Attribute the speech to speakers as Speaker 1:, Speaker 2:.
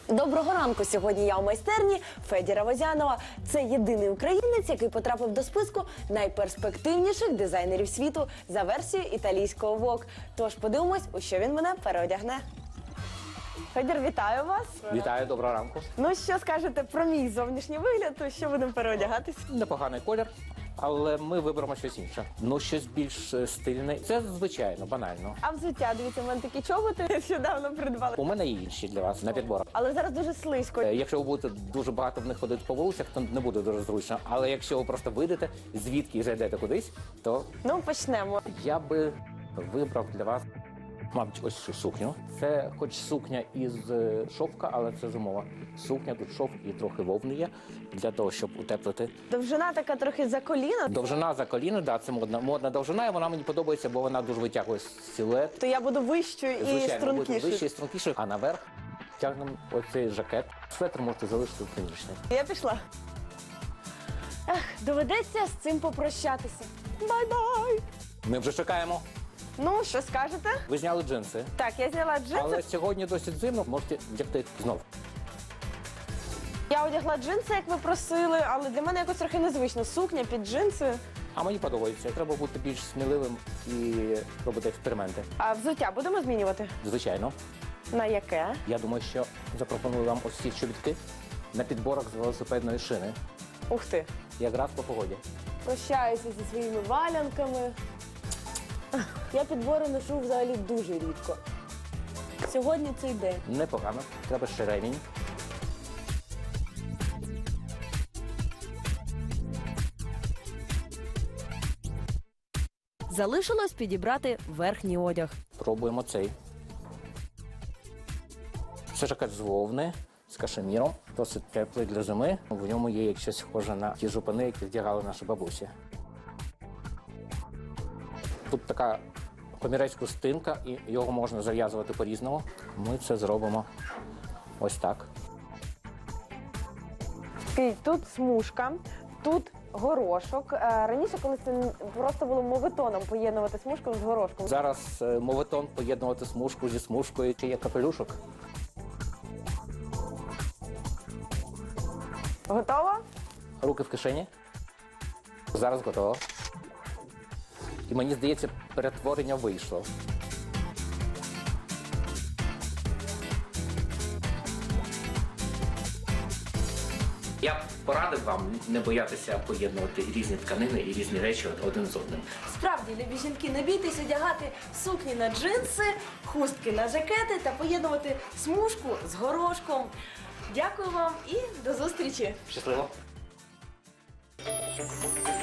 Speaker 1: Доброго ранку! Сьогодні я у майстерні Федіра Возянова. Це єдиний українець, який потрапив до списку найперспективніших дизайнерів світу за версією італійського Vogue. Тож подивимось, у що він мене переодягне. Федір, вітаю вас!
Speaker 2: Вітаю, доброго ранку.
Speaker 1: Ну, що скажете про мій зовнішній вигляд, то що будемо переодягатись?
Speaker 2: Непоганий колір, але ми виберемо щось інше. Ну, щось більш стильне. Це звичайно, банально.
Speaker 1: А взуття, дивіться, в мене такі чоботи нещодавно придбали.
Speaker 2: У мене є інші для вас на підборах.
Speaker 1: Але зараз дуже слизько.
Speaker 2: Якщо ви будете дуже багато в них ходити по вулицях, то не буде дуже зручно. Але якщо ви просто вийдете, звідки і зайдете кудись, то
Speaker 1: Ну, почнемо.
Speaker 2: я би вибрав для вас, мабуть, ось цю сукню. Це хоч сукня із шовка, але це зимова сукня. Тут шовк і трохи вовни є для того, щоб утеплити.
Speaker 1: Довжина така трохи за коліно.
Speaker 2: Довжина за коліно, да, це модна довжина, і вона мені подобається, бо вона дуже витягує силует.
Speaker 1: То я буду вищою і
Speaker 2: Звичайно, буде
Speaker 1: стрункішою.
Speaker 2: вище і стрункіше, а наверх тягнемо оцей жакет. Светр можете залишити приміщення.
Speaker 1: Я пішла. Доведеться з цим попрощатися. Бай-бай!
Speaker 2: Ми вже чекаємо.
Speaker 1: Ну, що скажете?
Speaker 2: Ви зняли джинси,
Speaker 1: Так, я зняла джинси.
Speaker 2: але сьогодні досить зимно, можете вдягти знову.
Speaker 1: Я одягла джинси, як ви просили, але для мене якось трохи незвично. Сукня під джинси.
Speaker 2: А мені подобається. Треба бути більш сміливим і робити експерименти.
Speaker 1: А взуття будемо змінювати?
Speaker 2: Звичайно.
Speaker 1: На яке?
Speaker 2: Я думаю, що запропоную вам ось ці чобітки на підборах з велосипедної шини.
Speaker 1: Ух ти.
Speaker 2: Якраз по погоді.
Speaker 1: Прощаюся зі своїми валянками. Я підбори ношу взагалі дуже рідко. Сьогодні цей день.
Speaker 2: Непогано. Треба ще ремінь.
Speaker 1: Залишилось підібрати верхній одяг.
Speaker 2: Пробуємо цей. Це жакет з вовни, з кашеміром. Досить теплий для зими. В ньому є як щось схоже на ті жупани, які вдягали наші бабусі. Тут така комірецька стинка, і його можна зав'язувати по-різному. Ми це зробимо ось так.
Speaker 1: Тут смужка, тут горошок. Раніше, коли це просто було моветоном поєднувати смужку з горошком.
Speaker 2: Зараз моветон поєднувати смужку зі смужкою. Чи є капелюшок?
Speaker 1: Готово?
Speaker 2: Руки в кишені. Зараз готово. І мені здається, перетворення вийшло. Я б порадив вам не боятися поєднувати різні тканини і різні речі один з одним.
Speaker 1: Справді, любі жінки, не бійтесь одягати сукні на джинси, хустки на жакети та поєднувати смужку з горошком. Дякую вам і до зустрічі!
Speaker 2: Щасливо!